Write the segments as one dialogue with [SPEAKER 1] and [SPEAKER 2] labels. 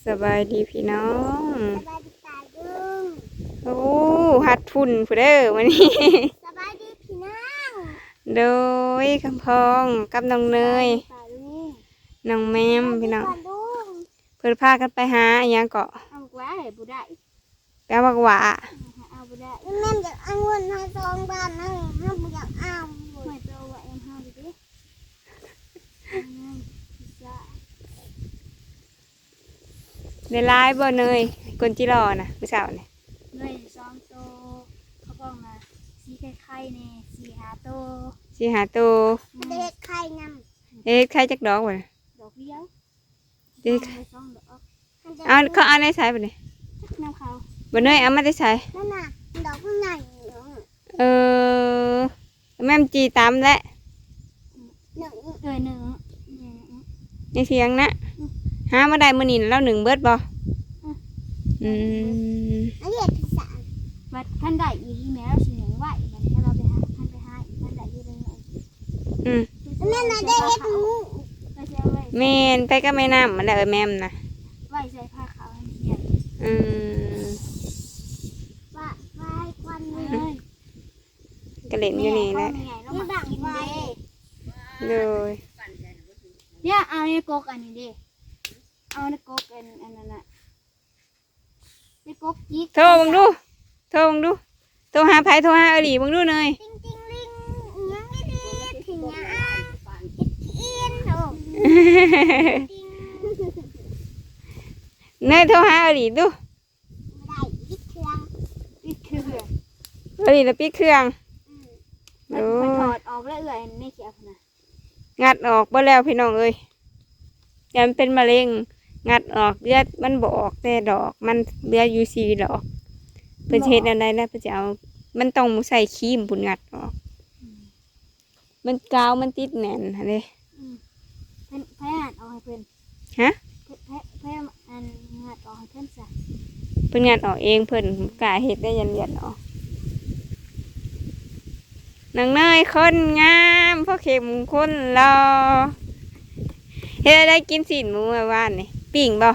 [SPEAKER 1] สบายดีพี่น้อง
[SPEAKER 2] สบายดีตาดุง
[SPEAKER 1] โอ้ฮัดฝุ่นผู้เด้อวันนี้
[SPEAKER 2] สบายดีพี่น้อง
[SPEAKER 1] โดยคำพองกับน้องเนย
[SPEAKER 2] ตาดุง
[SPEAKER 1] น้องแมมพี่น้อง
[SPEAKER 2] ตาดุง
[SPEAKER 1] เพิ่นพากันไปหาอหยังเกาะ
[SPEAKER 2] เอาไว้บุได้
[SPEAKER 1] แปลว่าหวา
[SPEAKER 2] เอาบุได้แม่อยากเอาเงินให้ซองบ้านนั่งห้ามอยากเอาไม่เจอว่าเอ็มห้าดิ
[SPEAKER 1] ในไลน์บ่เนยคนจิรอนะผู้สาวนี่
[SPEAKER 2] เนยซองโตเขาบอกมาสีไข่เนี่ยสีหาโต
[SPEAKER 1] สิหาตัว
[SPEAKER 2] เด็กไข่น
[SPEAKER 1] เอ๊ะใครจักดอกบ่น่ะ
[SPEAKER 2] ำดอกเบี้ยว
[SPEAKER 1] เด็ก
[SPEAKER 2] ซองดอก
[SPEAKER 1] เอาเขาเอาในสายบ่นี่
[SPEAKER 2] น้ำเขา
[SPEAKER 1] บ่เนยเอามาได้ใส่
[SPEAKER 2] นั่นน่ะดอกใหญ่
[SPEAKER 1] เออแม่มจีตามและ
[SPEAKER 2] หนึ่งหนึ่ง
[SPEAKER 1] ในเสียงนะหามาได้มื้อนี้แล้วหนึ่งเบิดบ่อืม
[SPEAKER 2] อันนี้ที่สามวัดท่านได้อีกแม้สีเหลืองไหวมันแค่เราไปหาท่านไปหาอีกท่านได้อีกเลย
[SPEAKER 1] อืม
[SPEAKER 2] แม่น่ะได้เฮ็ดงูไปเสียไว้
[SPEAKER 1] แม่นไปก็แม่น้ำมันแหละแม่มนะ
[SPEAKER 2] ไว้ใส่ผ้าขาวให้ใหญ่
[SPEAKER 1] อืม
[SPEAKER 2] ว่าไว้ควันเลย
[SPEAKER 1] ก็เล่นอยู่นี่แหละ
[SPEAKER 2] นี่บังไว้
[SPEAKER 1] เลย
[SPEAKER 2] เนี่ยเอาในกกอันนี้ดิเอาในกกอันนั้นน่ะในกกจิก
[SPEAKER 1] โทรบังดูโทรบังดูโทรหาไผโทรหาอหลีบังดูเลย
[SPEAKER 2] ติ้งติ้งลิงยังไม่ดีถึงยังอินโอ้
[SPEAKER 1] เนยโทรหาอหลีดู
[SPEAKER 2] ได้ยิดเครื่องยิดเครื่อง
[SPEAKER 1] อหลีแล้วปิดเครื่อง
[SPEAKER 2] มันถอดออกแล้วเอื่อยไม่เขียวนะ
[SPEAKER 1] งัดออกบ่แล้วพี่น้องเอ้ยยันเป็นมะเร็งงัดออกเลือดมันบ่ออกแต่ดอกมันเหลืออยู่4ดอกเพิ่นสิเฮ็ดอันใดนะเพิ่นจะเอามันต้องใส่ครีมปุ่นงัดออกมันกาวมันติดแน่นหั่นเด้
[SPEAKER 2] เพิ่นแพ้เอาให้เพิ่น
[SPEAKER 1] ฮะ
[SPEAKER 2] แพ้อันงัดออกให้เพิ่นซะ
[SPEAKER 1] เพิ่นงัดออกเองเพิ่นกล้าเฮ็ดได้ยันเลียดออกนางเนยคนงามพ่อเข็มคนรอเฮ็ดได้กินสินหมูเมื่อวานนี่ปิ้งบ่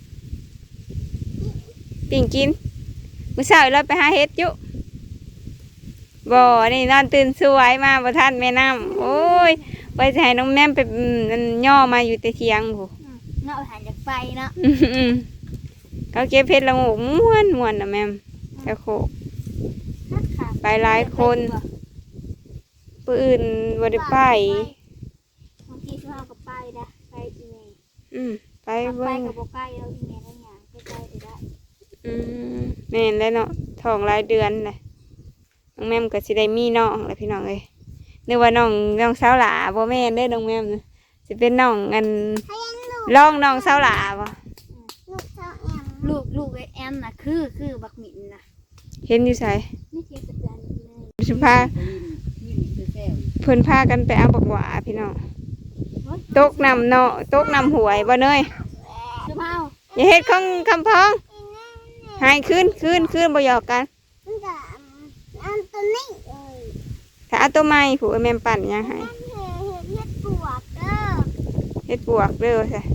[SPEAKER 1] ปิ้งกินมื้อเช้าเราไปหาเฮ็ดอยู่บ่นี่นอนตื่นสวยมาบ่ทันแม่น้ำโอ้ยไปสิให้น้องแม่มไปนั่นย่อมาอยู่แต่เที่ยงผู้
[SPEAKER 2] เนาะหันจากไฟเนาะ
[SPEAKER 1] เขาเก็บเพชรละโงกม่วนนะแม่มแต่โคกไปหลายคนผู้อื่นบ่ได้ไป
[SPEAKER 2] บางทีช่วงกับไปนะไปอีเมล
[SPEAKER 1] ไป
[SPEAKER 2] ไป
[SPEAKER 1] เบิ่ง
[SPEAKER 2] กับโบใกล้เราอีเมลได้ยังใกล้ๆได้
[SPEAKER 1] แม่นแล้วเนาะท้องหลายเดือนเลยน้องแม่มก็สิได้มีน้องแหละพี่น้องเอ้ยนึกว่าน้องสาวหลาบ่แม่นเด้อน้องแม่มนะสิเป็นน้องอันร้องน้องสาวหลาบ่
[SPEAKER 2] ลูกเจ้าแอมลูกไอแอมน่ะคือบักหมิ่นน่ะ
[SPEAKER 1] เห็นอยู่ไส
[SPEAKER 2] ไม่เทียบกับเดือนเลย
[SPEAKER 1] สิพาเพิ่นพากันไปเอาบักหวาพี่น้องตกน้ำเนาะตกน้ำหวยบ่เนย
[SPEAKER 2] คือเผา
[SPEAKER 1] อย่าเฮ็ดของคำพ้องหายขึ้นบ่หยอกกัน
[SPEAKER 2] อันตัวนี้
[SPEAKER 1] ถ้าเอาตัวใหม่ผู้แม่มปั่นยังให้
[SPEAKER 2] เฮ็ดปวกเด้อ
[SPEAKER 1] เฮ็ดปวกเด้อซะ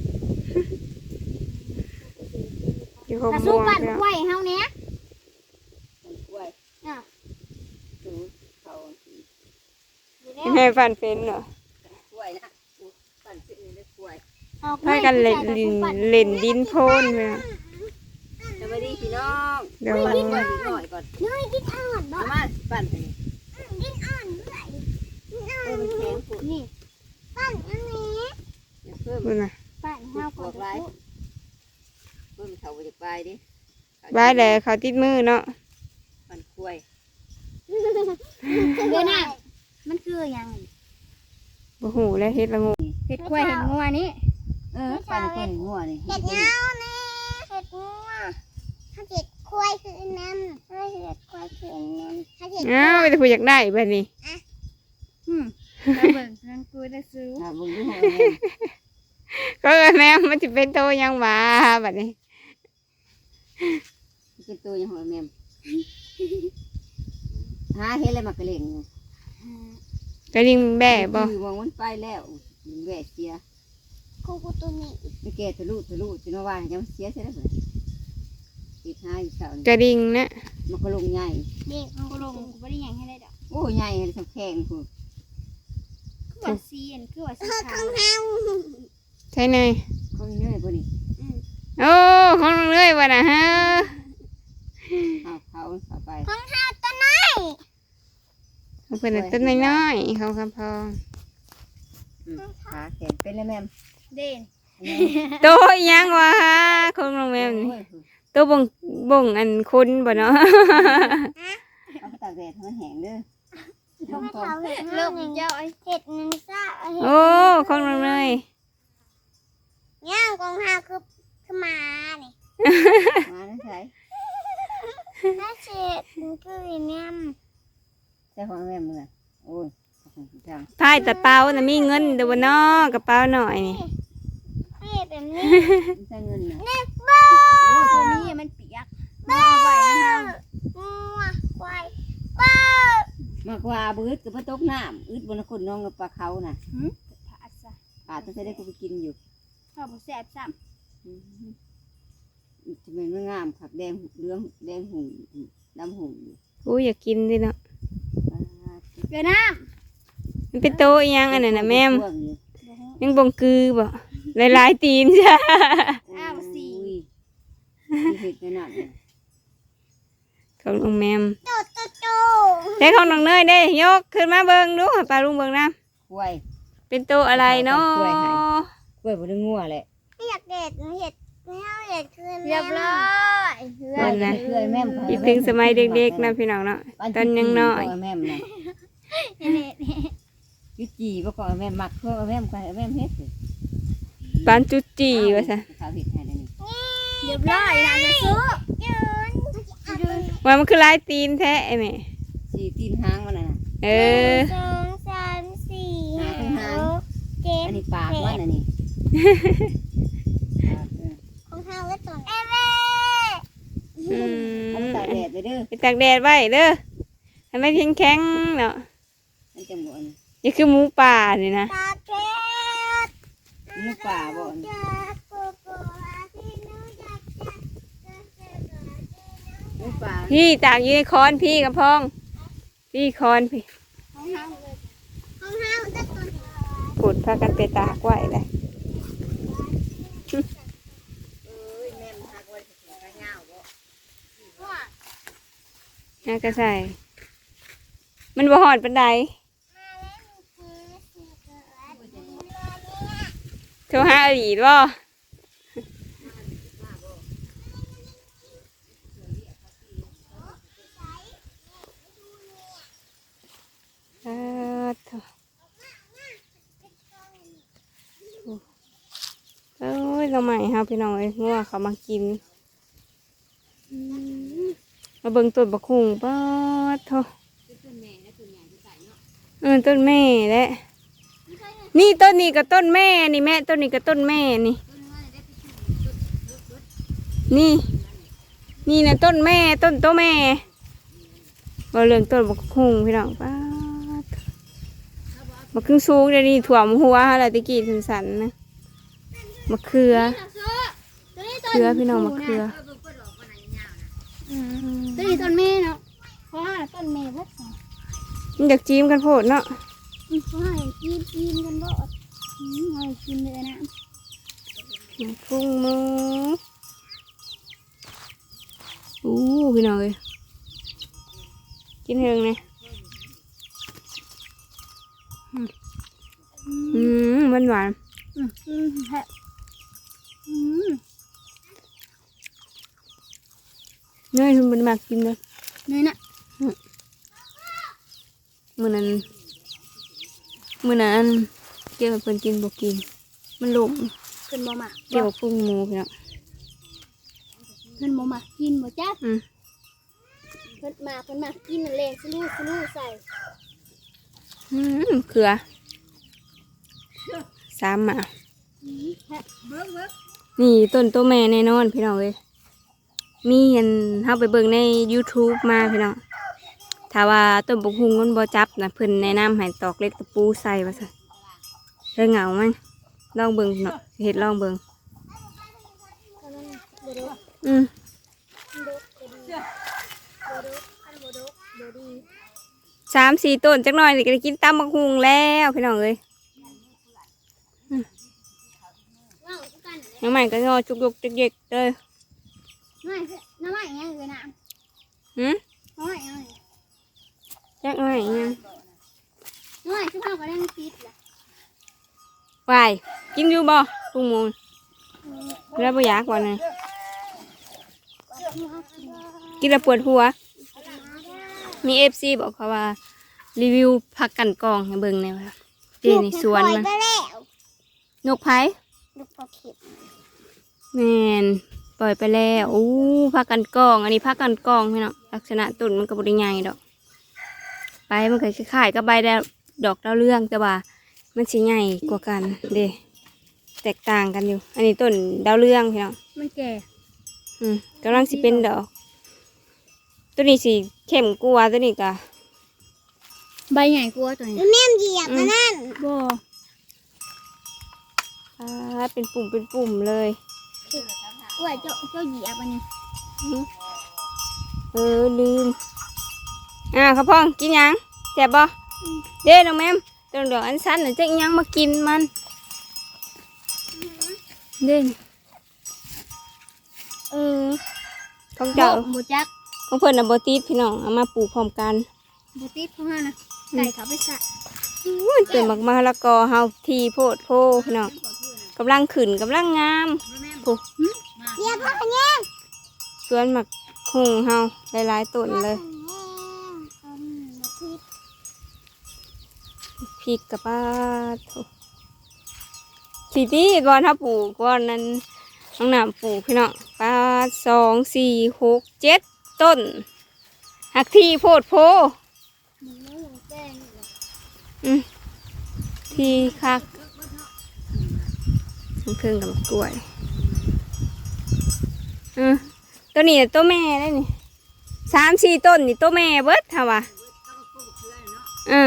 [SPEAKER 1] อยู่หก
[SPEAKER 2] ถ้า
[SPEAKER 1] โม
[SPEAKER 2] สู้
[SPEAKER 1] ง
[SPEAKER 2] ปั่น
[SPEAKER 1] แล้ว
[SPEAKER 2] ไว้เฮาเนี้ยอ่ะ
[SPEAKER 1] แม่ปั่นเป็นเหรอพากันเล่นดินโพนไปนะ
[SPEAKER 3] สวัสดีพี่น้อง
[SPEAKER 1] เดี๋ยว
[SPEAKER 3] กินก่อนกินหน่อยก่อน
[SPEAKER 2] น้อยกินอ่อนบ่
[SPEAKER 3] เอามาปั่นไปนี่
[SPEAKER 2] กินอ่อนด้วยกินอ่อน
[SPEAKER 3] มันแข็งปวด
[SPEAKER 2] นี่ปั่นอันนี้
[SPEAKER 3] อย่าเพิ่ม
[SPEAKER 1] พูดนะ
[SPEAKER 2] ปั่นเฮาก่อน
[SPEAKER 3] เพิ่มเขาไปจากปลายดิ
[SPEAKER 1] บายแล้วเขาติดมือเนาะ
[SPEAKER 3] ปั่นกล้วย
[SPEAKER 2] เดี๋ยวนะมันคือยัง
[SPEAKER 1] บ่หูแล้วเฮ็ดละงู
[SPEAKER 2] เห็ดกล้วยเห็ดงัวนี่
[SPEAKER 3] ปั่นกล้วยงัวนี่
[SPEAKER 2] เห็ดเงานี่เห็ดงัวถ้าเห็ดกล้วยคือน้ำถ้าเห็ดกล้วยคือน้ำถ้าเห็ด
[SPEAKER 1] อ้าวไม่ได้พูดอยากได้แบบนี้
[SPEAKER 2] แล้วเบิ่งนั่นกูได้ซื้อ
[SPEAKER 3] ถ้าบุ้งดูหัว
[SPEAKER 1] ก็แม่มันจะเป็นโตยังหมาแบบนี้
[SPEAKER 3] กินตัวยังหัวแม่หาเห็ดอะไรมากระเล่ง
[SPEAKER 1] กระดิ่งแบ่บ่
[SPEAKER 3] มองมันไปแล้วแหวกเสีย
[SPEAKER 2] กูตัวนี้
[SPEAKER 3] ไม่แก่ทะลุจนว่ายังเสียใช่ไหมเพิ่นติดหาอยู่เสานี่
[SPEAKER 1] กระดิ่งนะ
[SPEAKER 3] มันก็ลงใหญ่
[SPEAKER 2] เด็กมันก็ลงกูไม่ได้ยังให้ได้ดอก
[SPEAKER 3] โอ้ใหญ่เลยทำแข็งพุ่น
[SPEAKER 2] คือว่าซีอันคือว่าซีขาว
[SPEAKER 1] ใช่เนย
[SPEAKER 3] เขามีเนื้อพุ่นนี่
[SPEAKER 1] โอ้ของน้องเลยว่ะนะฮะ
[SPEAKER 3] เขาไป
[SPEAKER 2] ของห้าตัวน้อย
[SPEAKER 1] เขาเป็นต้นน้อยๆเขาคำพอง
[SPEAKER 3] ขาแข็งเป็นแล้วแม่ม
[SPEAKER 2] เด่น
[SPEAKER 1] โตอีหยังวะของน้องแมวนี่
[SPEAKER 3] โอ้ย
[SPEAKER 1] โตบ่งอันคุณบ่เนาะ
[SPEAKER 3] เอาไปตากแดดให้มันแห้งเด้อ
[SPEAKER 2] ลูกเจ้าไอ้เห็ดนึงซ่า
[SPEAKER 1] โอ้ของน้องเลย
[SPEAKER 2] ย่างของห้าคือมาเนี่ย
[SPEAKER 3] มาได้ใช่
[SPEAKER 2] ถ้าเช็ดคือเนี่ย
[SPEAKER 3] ใช่ของแม่มือโอ้ยขอบคุณจัง
[SPEAKER 1] พายแต่เปาน่ะมีเงินเดี๋ยวบ่เนาะกระเป๋าหน่อยนี่
[SPEAKER 2] เห็ดแบบนี้
[SPEAKER 3] ใช่เงินนะ
[SPEAKER 2] เนี่ยบ้าโอ้ตัวนี้มันเปียกบ้าไปนะคะงัวควายบ้าม
[SPEAKER 3] ากกว่าบืดกับพระตกน้ำอึดบนคนน้องกับปลาเขาน่ะ
[SPEAKER 2] ผาซะ
[SPEAKER 3] ป่าต้องใช้ได้กูไปกินอยู่
[SPEAKER 2] ข้าวแซ่บซ้
[SPEAKER 3] จะเป็นเมื่องามขักแดงเหลืองแดงหุ่งดำหุ่งอยู่
[SPEAKER 1] อู้อยากกินดิเนาะ
[SPEAKER 2] ำเดี๋ยวน้
[SPEAKER 1] มันเป็นโตอีหยังอันนั้นน่ะแม่ม
[SPEAKER 3] ช่วงอยู่
[SPEAKER 2] ำ
[SPEAKER 1] ยังบ่งกือบ่หลายๆตีนจ้ะ
[SPEAKER 2] อ้าวสี่
[SPEAKER 3] อุ้ยมีเห็ดในนั้นเนี่ย
[SPEAKER 1] ของน้องแมม
[SPEAKER 2] โตโตโต
[SPEAKER 1] แต่ของน้องเนยได้ยกขึ้นมาเบิ่งดูให้ป้าลุงเบิ่งนะ
[SPEAKER 3] กล้วย
[SPEAKER 1] เป็นโตอะไรเนาะ
[SPEAKER 3] กล้วยบนงัวแหละ
[SPEAKER 2] ไม่อยากเด็ดเห็ดไม่เอาเห็ดคืนเรียบร้อย
[SPEAKER 3] กล้วยแม่ม
[SPEAKER 1] คิดถึงสมัยเด็กๆนะพี่น้องเนาะตอนยังน้อย
[SPEAKER 3] แม่มนะ
[SPEAKER 2] เนี่ย
[SPEAKER 3] ยุจีประกอบแม่มักเพื่อแม่มกันแม่มเฮ็ดสิ
[SPEAKER 1] ปานจุจีว่าซะ
[SPEAKER 3] ข้าวเห็ดให้ได้นี่
[SPEAKER 2] เรียบร้อยนะจะซื้อยืน
[SPEAKER 1] ว่ามันคือหลายตีนแท้ไอ้แม่
[SPEAKER 3] สีตีนหางมันน่ะ
[SPEAKER 1] เออ
[SPEAKER 2] สองสามสี่ห้าหกเจ็ด
[SPEAKER 3] อันนี้ปากมันอันนี้
[SPEAKER 2] ของเท้าและตัวเอเว
[SPEAKER 1] อื
[SPEAKER 3] เอา
[SPEAKER 1] ม
[SPEAKER 3] ตากแดดไปเด้อ
[SPEAKER 1] ไปตากแดดไว้เด้อให้มันแข็งๆเนาะ
[SPEAKER 3] มันจะหมด
[SPEAKER 1] นี่คือหมูป่านี่นะ
[SPEAKER 2] ตาเก็ด
[SPEAKER 3] หมูป่าบ่
[SPEAKER 2] จากโกโก้ที่นู้นจาก
[SPEAKER 3] หมูป่า
[SPEAKER 1] พี่ตากอยู่ในคอนพี่กับพอง พี่คอนพี่
[SPEAKER 2] ของเท้าเลยของเท้าจะตัว
[SPEAKER 1] ขุดพากันไปตากไว้เลย
[SPEAKER 3] แม่มหักไว้ถึงกระเหงาบ่
[SPEAKER 1] น่าก็ใส่มันบ่หอดปันไดโทรหาอดีตบ่เอ้ยเราใหม่ครับพี่น้องเอ้ยงัวเขามากินมาเบิ่งต้นบักหุ่งป้าดโถต้นแม่แหละนี่ต้นนี้กับต้นแม่นี่แม่ต้นนี้กับต้นแม่นี่นี่นี่นะต้นแม่ต้นโตแม่เราเรื่องต้นบักหุ่งพี่น้องป้าดบักครึ่งสูงเดี๋ยวนี้ถ่วมหัวอะไรตะกี้สันๆนะมะเขือเขือพี่น้องมะเขือ
[SPEAKER 2] ตัวนี้ต้นเมย์เนาะเพราะว่าต้นเมย์วัด
[SPEAKER 1] มันอยากจิ้มกันโพดเนาะ
[SPEAKER 2] เพราะว่ากินกันบ่ให้กินเลยนะ
[SPEAKER 1] พุ่งมืออู้พี่น้องเอ้ยกินเฮงเลยหวานหวาน
[SPEAKER 2] ฮะ
[SPEAKER 1] เนยมันมากกินเลย
[SPEAKER 2] นี่นะ
[SPEAKER 1] มื้อนั้นเกี่ยวกับเพิ่นกินบ่กินมันหลง
[SPEAKER 2] ขึ้นบ่มา
[SPEAKER 1] เกี่ยวกับพุ่งหมูพี่น้อง
[SPEAKER 2] ขึ้นบ่มากินบ่จ้า
[SPEAKER 1] อืม
[SPEAKER 2] เพิ่นมากินนั่นแหละสลูใส่
[SPEAKER 1] เกลือสามหมา
[SPEAKER 2] เบิ้ง
[SPEAKER 1] นี่ต้นโตแม่แน่นอนพี่น้องเอ้ยมีอันเฮาไปเบิ่งใน YouTube มาพี่น้องถ้าว่าต้นบกฮุงมันบ่จับนะเพิ่นแนะนำให้ตอกเล็กตะปูใส่ว่าซั่นเด้อเหงามันลองเบิ่งเนาะเฮ็ดลองเบิ่ง
[SPEAKER 2] อันนั้นบ่ดก
[SPEAKER 1] อืม
[SPEAKER 2] ดกก็ดีบ่ดกอันบ่ดกบ่ดี
[SPEAKER 1] 3-4 ต้นจักหน่อยนี่ก็ได้กินตำบักหุ่งแล้วพี่น้องเอ้ย
[SPEAKER 2] ว้าวคือกันเลย
[SPEAKER 1] ยังใหม่ก็งอจุกๆจิกๆเลย
[SPEAKER 2] น้ำไม้ยังเลยนะ
[SPEAKER 1] หืม
[SPEAKER 2] น้ำไม้ยัง
[SPEAKER 1] จักหน่อยยัง
[SPEAKER 2] น้ำไม้คือเฮาก็ได้ติดล่ะ
[SPEAKER 1] วายกินอยู่บ่พุงมูลแล้วบ่อยากว่านะกินแล้วปวดหัว มี FC บอกเขาว่ารีวิวผักกันกองให้เบิ่งแหน่ว่าเจนี่สวนมัน
[SPEAKER 2] ไปแล้ว
[SPEAKER 1] นกไผ
[SPEAKER 2] ลูกปลาเข็ม
[SPEAKER 1] แม่นปล่อยไปแล้วอู้ผักกันกองอันนี้ผักกันกองพี่น้องลักษณะต้นมันก็บ่ได้ใหญ่ดอกใบมันก็คล้ายๆกับใบดอกดาวเรืองแต่ว่ามันสิใหญ่กว่ากันเด้แตกต่างกันอยู่ อันนี้ต้นดาวเรืองพี่น้อง
[SPEAKER 2] มันแก่
[SPEAKER 1] กำลังสิเป็นดอก ตัวนี้สิเข้มกว่าตัวนี้กะ
[SPEAKER 2] ใบใหญ่กว่าตัวนี้แม่เหยียบมันนั่นบ่
[SPEAKER 1] เป็นปุ่มเลย
[SPEAKER 2] ว่าเจ้าเหยียบอันนี้
[SPEAKER 1] ลืมข้าวพองกินยังแซ่บบ่เด้น้องแม่มตัวดอกอันสั้นน่ะจะอิหยังมากินมันเด้ของเจ้า
[SPEAKER 2] บ่จัก
[SPEAKER 1] ของเพิ่นน่ะบ่ติดพี่น้องเอามาปลูกพร้อมกัน
[SPEAKER 2] บ่ติดเพราะว่านะไก่เขาไปสะ
[SPEAKER 1] เต็มมะละกอเฮาทีโพดโพพี่น้องกำลังขึ้นกำลังงามโอ้
[SPEAKER 2] เหยียบพ่อกันยัง
[SPEAKER 1] สวนหมักหุงเฮาหลายๆต้นเลยพริกกับป้าโถทีนี้บอลถ้าปลูกบอลนั้นน้องน้ำปลูกพี่น้องป้า2 4 6 7 ต้นหักที่โพดโพที่คักเครื่องกับมะกล้วยตัวนี้ตัวแม่ได้นี่3-4 ต้นนี่ตัวแม่เบิดค่ะวะ
[SPEAKER 2] แม่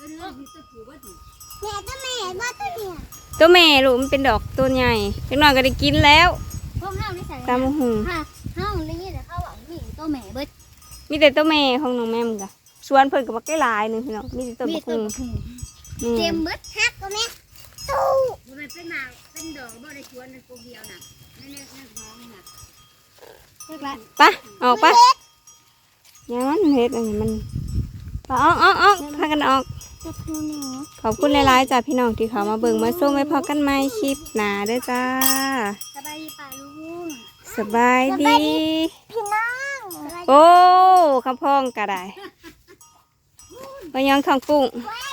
[SPEAKER 2] ตัวแม่ว่าตัวเนี่ย
[SPEAKER 1] ตัวแม่ลูกมันเป็นดอกตัวใหญ่จังหน่อยก็ได้กินแล้ว
[SPEAKER 2] พวกเฮานี่ใส่
[SPEAKER 1] ตามหู
[SPEAKER 2] ค่ะเฮาเลยนี่แต่เขาบอกนี่ตัวแม่เบิด
[SPEAKER 1] มีแต่ตัวแม่ของน้องแม่มกะสวนเพิ่นกับบักได้หลายหนึงพี่น้องมีแต่ต้น
[SPEAKER 2] มี
[SPEAKER 1] บัก
[SPEAKER 2] ตัว
[SPEAKER 1] หุ่ง
[SPEAKER 2] บักหุ่ง
[SPEAKER 1] นี่
[SPEAKER 2] เต็มเบิดฮักตัวแม่ตู้
[SPEAKER 3] มันเป็นหมากเป็นดอกบ่ได้ชวนเป็นตัวเดียวน่ะนั่นท้องน่ะ
[SPEAKER 2] เรียกละ
[SPEAKER 1] ไปออกไปยังมันเฮ็ดอันนี้มันไปออกพากันออก
[SPEAKER 2] จะพูดเนาะ
[SPEAKER 1] ขอบคุณหลายๆจ้าพี่น้องที่เขามาเบิ่งมาส้มไว้พอกันใหม่คลิปหน้าเด้อจ้า
[SPEAKER 2] สบายดีป่าลุง
[SPEAKER 1] สบายดี
[SPEAKER 2] พี่น้อง
[SPEAKER 1] โอ้คำพองก็ได้ไปยังทองปุ้ง
[SPEAKER 2] ว้า